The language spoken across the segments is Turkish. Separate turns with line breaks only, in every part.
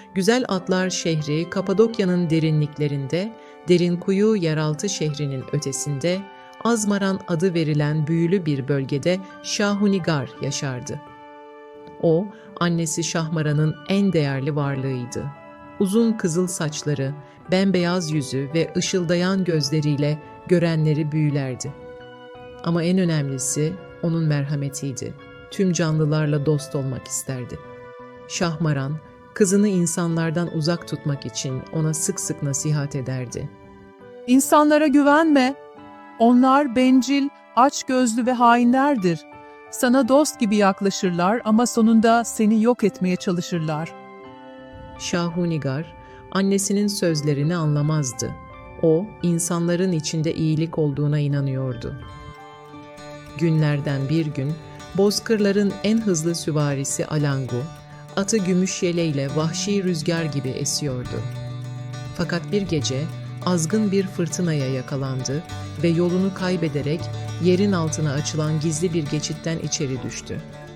Güzel Atlar şehri Kapadokya'nın derinliklerinde, Derinkuyu yeraltı şehrinin ötesinde, Azmaran adı verilen büyülü bir bölgede Şahunigar yaşardı. O, annesi Şahmaran'ın en değerli varlığıydı. Uzun kızıl saçları, bembeyaz yüzü ve ışıldayan gözleriyle görenleri büyülerdi. Ama en önemlisi onun merhametiydi. Tüm canlılarla dost olmak isterdi. Şahmaran, kızını insanlardan uzak tutmak için ona sık sık nasihat ederdi.
İnsanlara güvenme. Onlar bencil, açgözlü ve hainlerdir. Sana dost gibi yaklaşırlar ama sonunda seni yok etmeye çalışırlar.
Şahunigar, annesinin sözlerini anlamazdı. O, insanların içinde iyilik olduğuna inanıyordu. Günlerden bir gün, bozkırların en hızlı süvarisi Alangu, atı gümüş yeleyle vahşi rüzgar gibi esiyordu. Fakat bir gece azgın bir fırtınaya yakalandı ve yolunu kaybederek yerin altına açılan gizli bir geçitten içeri düştü.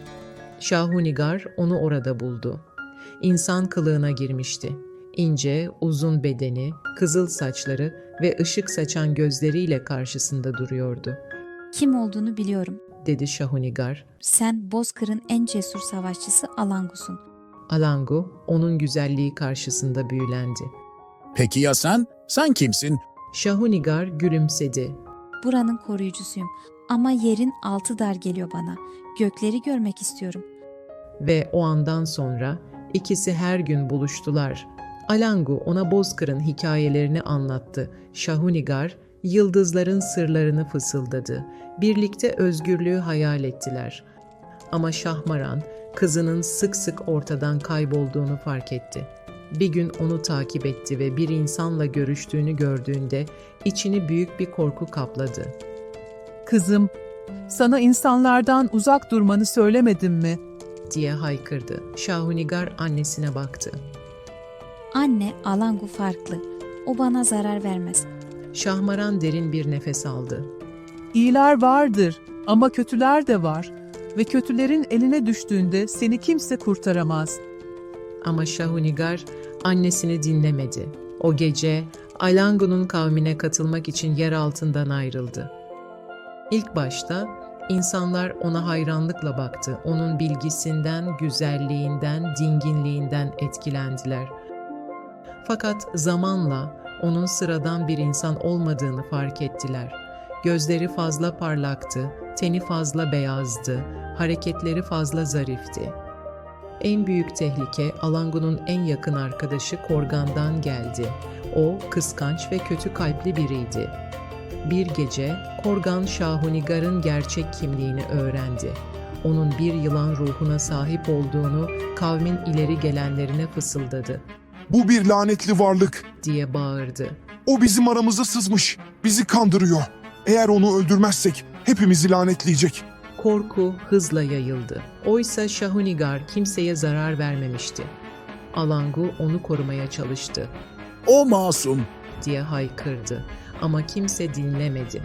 Şahunigar onu orada buldu. İnsan kılığına girmişti. İnce, uzun bedeni, kızıl saçları ve ışık saçan gözleriyle karşısında duruyordu.
Kim olduğunu biliyorum.
Dedi Şahunigar.
Sen Bozkır'ın en cesur savaşçısı Alangu'sun.
Alangu, onun güzelliği karşısında büyülendi.
Peki ya sen? Sen kimsin?
Şahunigar gülümsedi.
Buranın koruyucusuyum. Ama yerin altı dar geliyor bana. Gökleri görmek istiyorum.
Ve o andan sonra ikisi her gün buluştular. Alangu ona Bozkır'ın hikayelerini anlattı. Şahunigar, yıldızların sırlarını fısıldadı. Birlikte özgürlüğü hayal ettiler. Ama Şahmaran, kızının sık sık ortadan kaybolduğunu fark etti. Bir gün onu takip etti ve bir insanla görüştüğünü gördüğünde içini büyük bir korku kapladı.
Kızım, sana insanlardan uzak durmanı söylemedim mi?
Diye haykırdı. Şahunigar annesine baktı.
Anne, Alangu farklı. O bana zarar vermez.
Şahmaran derin bir nefes aldı.
İyiler vardır ama kötüler de var. Ve kötülerin eline düştüğünde seni kimse kurtaramaz.
Ama Şahunigar annesini dinlemedi. O gece Alangu'nun kavmine katılmak için yer altından ayrıldı. İlk başta insanlar ona hayranlıkla baktı. Onun bilgisinden, güzelliğinden, dinginliğinden etkilendiler. Fakat zamanla onun sıradan bir insan olmadığını fark ettiler. Gözleri fazla parlaktı, teni fazla beyazdı, hareketleri fazla zarifti. En büyük tehlike Alangu'nun en yakın arkadaşı Korgan'dan geldi. O kıskanç ve kötü kalpli biriydi. Bir gece Korgan Şahunigar'ın gerçek kimliğini öğrendi. Onun bir yılan ruhuna sahip olduğunu kavmin ileri gelenlerine fısıldadı.
Bu bir lanetli varlık.
Diye bağırdı.
O bizim aramıza sızmış. Bizi kandırıyor. Eğer onu öldürmezsek hepimizi lanetleyecek.
Korku hızla yayıldı. Oysa Şahunigar kimseye zarar vermemişti. Alangu onu korumaya çalıştı.
O masum.
Diye haykırdı ama kimse dinlemedi.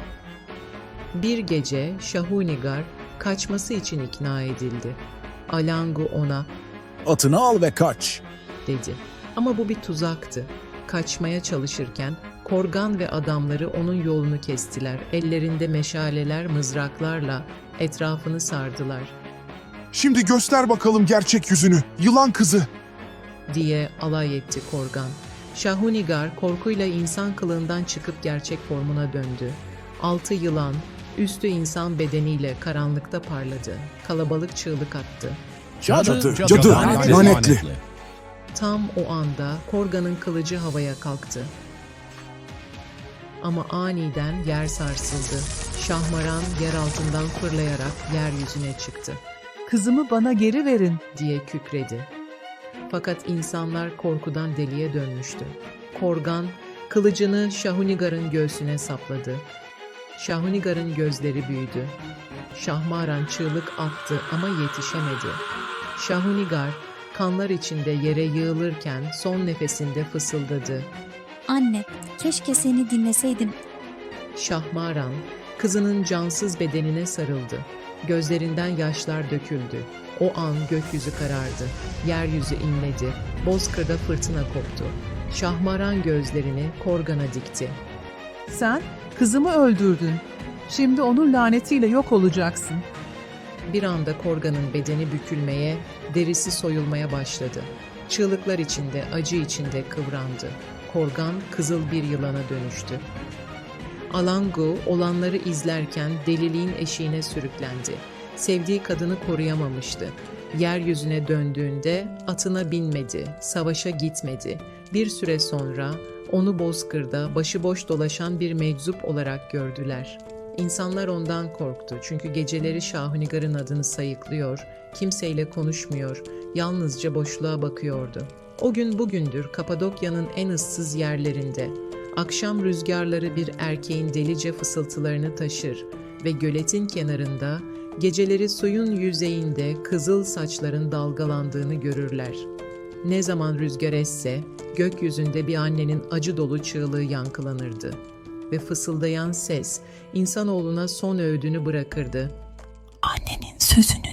Bir gece Şahunigar kaçması için ikna edildi. Alangu ona
Atını al ve kaç.
dedi. Ama bu bir tuzaktı. Kaçmaya çalışırken Korgan ve adamları onun yolunu kestiler. Ellerinde meşaleler, mızraklarla etrafını sardılar.
Şimdi göster bakalım gerçek yüzünü. Yılan kızı.
Diye alay etti Korgan. Şahunigar korkuyla insan kılığından çıkıp gerçek formuna döndü. Altı yılan, üstü insan bedeniyle karanlıkta parladı. Kalabalık çığlık attı.
Cadı, lanetli.
Tam o anda Korgan'ın kılıcı havaya kalktı. Ama aniden yer sarsıldı. Şahmaran yer altından fırlayarak yeryüzüne çıktı.
Kızımı bana geri verin.
Diye kükredi. Fakat insanlar korkudan deliye dönmüştü. Korgan kılıcını Şahunigar'ın göğsüne sapladı. Şahunigar'ın gözleri büyüdü. Şahmaran çığlık attı ama yetişemedi. Şahunigar kanlar içinde yere yığılırken son nefesinde fısıldadı.
Anne, keşke seni dinleseydim.
Şahmaran kızının cansız bedenine sarıldı. Gözlerinden yaşlar döküldü. O an gökyüzü karardı. Yeryüzü inledi. Bozkır'da fırtına koptu. Şahmaran gözlerini Korgan'a dikti.
Sen kızımı öldürdün. Şimdi onun lanetiyle yok olacaksın.
Bir anda Korgan'ın bedeni bükülmeye, derisi soyulmaya başladı. Çığlıklar içinde, acı içinde kıvrandı. Korgan kızıl bir yılana dönüştü. Alangu olanları izlerken deliliğin eşiğine sürüklendi. Sevdiği kadını koruyamamıştı. Yeryüzüne döndüğünde atına binmedi, savaşa gitmedi. Bir süre sonra onu Bozkır'da başıboş dolaşan bir meczup olarak gördüler. İnsanlar ondan korktu çünkü geceleri Şahunigar'ın adını sayıklıyor, kimseyle konuşmuyor, yalnızca boşluğa bakıyordu. O gün bugündür Kapadokya'nın en ıssız yerlerinde. Akşam rüzgarları bir erkeğin delice fısıltılarını taşır ve göletin kenarında, geceleri suyun yüzeyinde kızıl saçların dalgalandığını görürler. Ne zaman rüzgar esse, gökyüzünde bir annenin acı dolu çığlığı yankılanırdı ve fısıldayan ses insanoğluna son öğüdünü bırakırdı.
Annenin sözünü